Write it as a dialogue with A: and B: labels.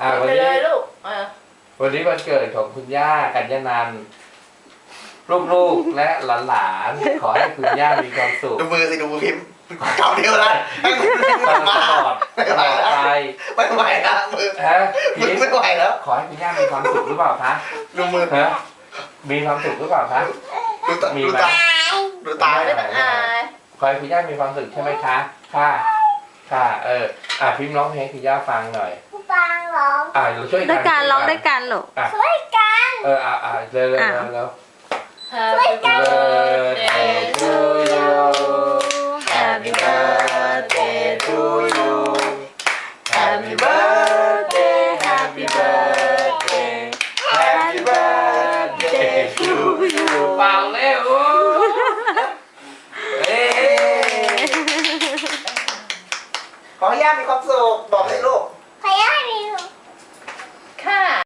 A: วันนี้วันนี้วันเกิดของคุณย่ากัญญานันท์ลูกๆและหลานๆขอให้คุณย่ามีความสุข
B: ดูมือสิดูมือพิมพ์เก่าเดียวละ
A: ตลอดไป
B: ไม่ไหวนะมือมือไม่ไหวแล้ว
A: ขอให้คุณย่ามีความสุขหรือเปล่าคะ
B: ดูมือ
A: มีความสุขหรือเปล่าคะมีไหม
B: ดูตา
A: ขอให้คุณย่ามีความสุขใช่ไหมคะค่ะพิมพ์ร้องเพลงให้คุณย่าฟังหน่อย
C: ฟังร้อง
A: เราช่วยกัน
D: ด้วยการร้องด้วยกันหรอ
C: ช่วยกัน
A: เร็ว
C: ช่วยกัน
A: Happy birthday to you Happy birthday